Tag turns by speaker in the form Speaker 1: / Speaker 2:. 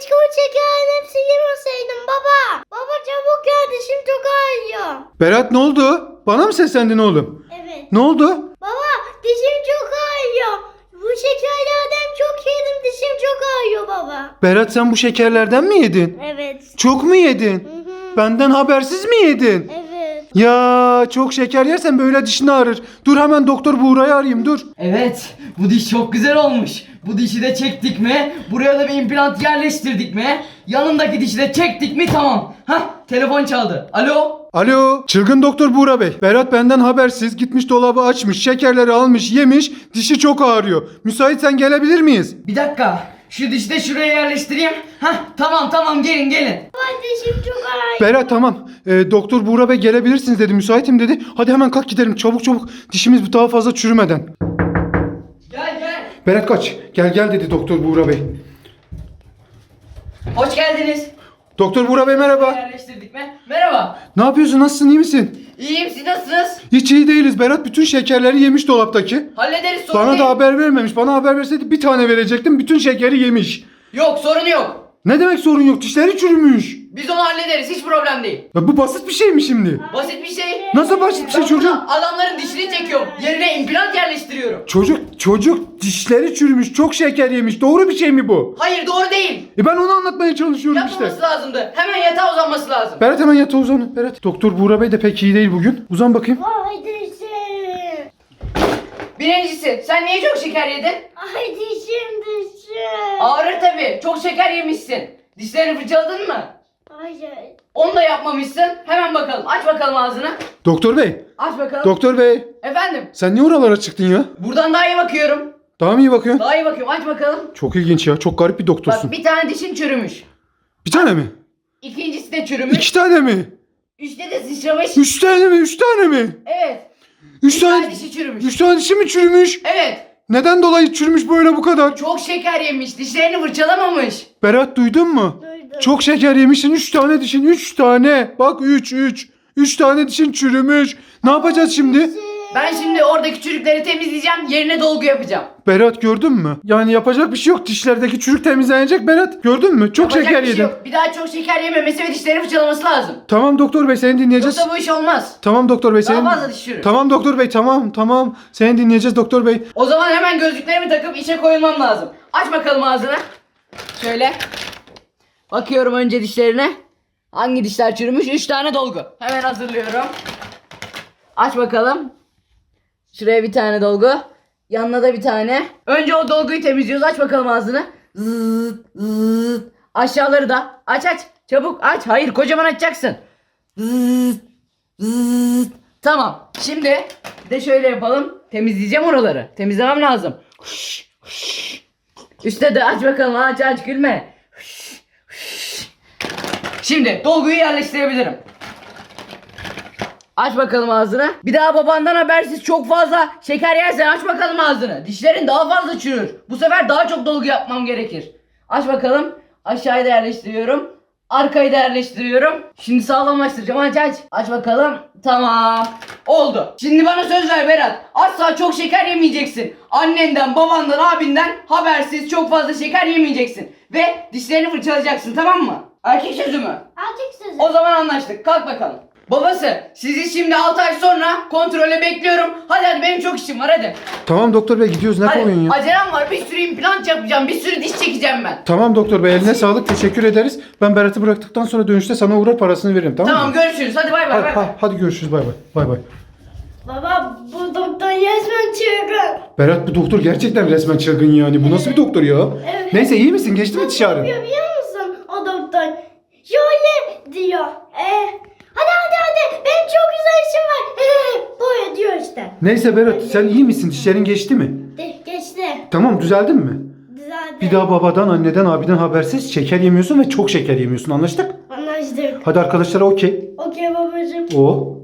Speaker 1: Keşke o şekerin hepsi yemeseydim baba. Baba çabuk gel, dişim çok ağrıyor.
Speaker 2: Berat ne oldu? Bana mı seslendin oğlum?
Speaker 1: Evet.
Speaker 2: Ne oldu?
Speaker 1: Baba dişim çok ağrıyor. Bu şekerlerden çok yedim, dişim çok ağrıyor baba.
Speaker 2: Berat sen bu şekerlerden mi yedin?
Speaker 1: Evet.
Speaker 2: Çok mu yedin?
Speaker 1: Hı.
Speaker 2: Benden habersiz mi yedin?
Speaker 1: Evet.
Speaker 2: Ya çok şeker yersen böyle dişin ağrır. Dur hemen doktor Buğra'yı arayayım dur.
Speaker 3: Evet, bu diş çok güzel olmuş. Bu dişi de çektik mi? Buraya da bir implant yerleştirdik mi? Yanındaki dişi de çektik mi? Tamam. Hah, telefon çaldı. Alo?
Speaker 2: Alo, çılgın doktor Buğra Bey. Berat benden habersiz gitmiş dolabı açmış, şekerleri almış, yemiş, dişi çok ağrıyor. Müsaitsen gelebilir miyiz?
Speaker 3: Bir dakika. Şu dişi de şuraya yerleştireyim. Hah, tamam gelin.
Speaker 1: Baba dişim çok ağrıyor.
Speaker 2: Berat tamam. Doktor Buğra Bey gelebilirsiniz dedi, müsaitim dedi. Hadi hemen kalk gidelim çabuk. Dişimiz daha fazla çürümeden.
Speaker 3: Gel.
Speaker 2: Berat kaç. Gel dedi doktor Buğra Bey.
Speaker 3: Hoş geldiniz.
Speaker 2: Doktor Buğra Bey merhaba.
Speaker 3: Yerleştirdik mi? Merhaba.
Speaker 2: Ne yapıyorsun, nasılsın, iyi misin?
Speaker 3: İyiyim, siz nasılsınız?
Speaker 2: Hiç iyi değiliz. Berat bütün şekerleri yemiş dolaptaki.
Speaker 3: Hallederiz, sorun
Speaker 2: Bana
Speaker 3: değil.
Speaker 2: da haber vermemiş. Bana haber verseydi bir tane verecektim. Bütün şekeri yemiş.
Speaker 3: Yok, sorun yok.
Speaker 2: Ne demek sorun yok? Dişleri çürümüş.
Speaker 3: Biz onu hallederiz, hiç problem değil.
Speaker 2: Ya bu basit bir şey mi şimdi?
Speaker 3: Basit bir şey.
Speaker 2: Nasıl basit bir şey
Speaker 3: Ben
Speaker 2: çocuğum?
Speaker 3: burada adamların dişini çekiyorum. Yerine implant yerleştiriyorum.
Speaker 2: Çocuk dişleri çürümüş. Çok şeker yemiş. Doğru bir şey mi bu?
Speaker 3: Hayır, doğru değil.
Speaker 2: Ben onu anlatmaya çalışıyorum işte.
Speaker 3: Yapmaması lazımdı. Hemen yatağa uzanması lazım.
Speaker 2: Berat hemen yatağa uzan. Berat. Doktor Buğra Bey de pek iyi değil bugün. Uzan bakayım.
Speaker 1: Ay dişim.
Speaker 3: Birincisi, sen niye çok şeker yedin?
Speaker 1: Ay dişim.
Speaker 3: Ağrır tabii. Çok şeker yemişsin. Dişlerini fırçaladın mı?
Speaker 1: Hayır.
Speaker 3: Onu da yapmamışsın. Hemen bakalım. Aç bakalım ağzını.
Speaker 2: Doktor Bey.
Speaker 3: Aç bakalım.
Speaker 2: Doktor Bey.
Speaker 3: Efendim.
Speaker 2: Sen niye oralara çıktın ya?
Speaker 3: Buradan daha iyi bakıyorum.
Speaker 2: Daha mı iyi bakıyorsun?
Speaker 3: Daha iyi bakıyorum. Aç bakalım.
Speaker 2: Çok ilginç ya. Çok garip bir doktorsun.
Speaker 3: Bak, bir tane dişin çürümüş.
Speaker 2: Bir tane mi?
Speaker 3: İkincisi de çürümüş.
Speaker 2: 2 tane mi?
Speaker 3: Üçte de sıçramış.
Speaker 2: 3 tane mi? 3 tane mi?
Speaker 3: Evet.
Speaker 2: 3
Speaker 3: Bir
Speaker 2: tane.
Speaker 3: tane dişi çürümüş.
Speaker 2: 3 tane dişi mi çürümüş?
Speaker 3: Evet.
Speaker 2: Neden dolayı çürümüş böyle bu kadar?
Speaker 3: Çok şeker yemiş. Dişlerini fırçalamamış.
Speaker 2: Berat duydun mu?
Speaker 1: Duydum.
Speaker 2: Çok şeker yemişsin. 3 tane dişin. 3 tane. Bak 3. 3 tane dişin çürümüş. Ne yapacağız şimdi?
Speaker 3: Ben şimdi oradaki çürükleri temizleyeceğim. Yerine dolgu yapacağım.
Speaker 2: Berat gördün mü? Yani yapacak bir şey yok. Dişlerdeki çürük temizlenecek Berat. Gördün mü? Çok
Speaker 3: Yapacak
Speaker 2: şeker
Speaker 3: bir şey
Speaker 2: yedin.
Speaker 3: yok. Bir daha çok şeker yememesi ve dişlerini fırçalaması lazım.
Speaker 2: Tamam doktor bey seni dinleyeceğiz.
Speaker 3: Yoksa bu iş olmaz.
Speaker 2: Tamam doktor bey
Speaker 3: Daha
Speaker 2: seni.
Speaker 3: fazla diş çürür.
Speaker 2: Tamam doktor bey tamam. Seni dinleyeceğiz doktor bey.
Speaker 3: O zaman hemen gözlüklerimi takıp işe koyulmam lazım. Aç bakalım ağzını. Şöyle. Bakıyorum önce dişlerine. Hangi dişler çürümüş? 3 tane dolgu. Hemen hazırlıyorum. Aç bakalım. Şuraya bir tane dolgu. Yanına da bir tane. Önce o dolguyu temizliyoruz. Aç bakalım ağzını. Zıt. Aşağıları da. Aç. Çabuk aç. Hayır, kocaman açacaksın. Zıt. Tamam. Şimdi bir de şöyle yapalım. Temizleyeceğim oraları. Temizlemem lazım. Üstte de aç bakalım. Aç gülme. Şimdi dolguyu yerleştirebilirim. Aç bakalım ağzını. Bir daha babandan habersiz çok fazla şeker yersen aç bakalım ağzını. Dişlerin daha fazla çürür. Bu sefer daha çok dolgu yapmam gerekir. Aç bakalım. Aşağıya da yerleştiriyorum. Arkayı da yerleştiriyorum. Şimdi sağlamlaştıracağım. Aç. Aç bakalım. Tamam. Oldu. Şimdi bana söz ver Berat. Asla çok şeker yemeyeceksin. Annenden, babandan, abinden habersiz çok fazla şeker yemeyeceksin. Ve dişlerini fırçalayacaksın, tamam mı? Erkek sözü mü?
Speaker 1: Artık sözüm.
Speaker 3: O zaman anlaştık. Kalk bakalım. Babası, sizi şimdi 6 ay sonra kontrole bekliyorum. Hadi benim çok işim var hadi.
Speaker 2: Tamam doktor bey gidiyoruz ne koyun ya?
Speaker 3: Acelem var. Bir sürü implant yapacağım. Bir sürü diş çekeceğim ben.
Speaker 2: Tamam doktor bey eline sağlık teşekkür ederiz. Ben Berat'ı bıraktıktan sonra dönüşte sana uğrar parasını veririm tamam
Speaker 3: Tamam
Speaker 2: mı?
Speaker 3: görüşürüz. Hadi bay bay.
Speaker 2: Hadi görüşürüz bay bay.
Speaker 1: Baba bu doktor resmen çılgın.
Speaker 2: Berat bu doktor gerçekten resmen çılgın yani. Bu nasıl bir doktor ya?
Speaker 1: Evet.
Speaker 2: Neyse iyi misin? Geçti mi dişi ağrın?
Speaker 1: Biliyor musun o doktor? Şöyle diyor. Hadi. Benim çok güzel işim var. Böyle diyor işte.
Speaker 2: Neyse Berat sen iyi misin? Dişlerin geçti mi?
Speaker 1: Geçti.
Speaker 2: Tamam düzeldin mi?
Speaker 1: Düzeldi.
Speaker 2: Bir daha babadan, anneden, abiden habersiz şeker yemiyorsun ve çok şeker yemiyorsun. Anlaştık?
Speaker 1: Anlaştık.
Speaker 2: Hadi arkadaşlara okey.
Speaker 1: Okey babacığım.
Speaker 2: O.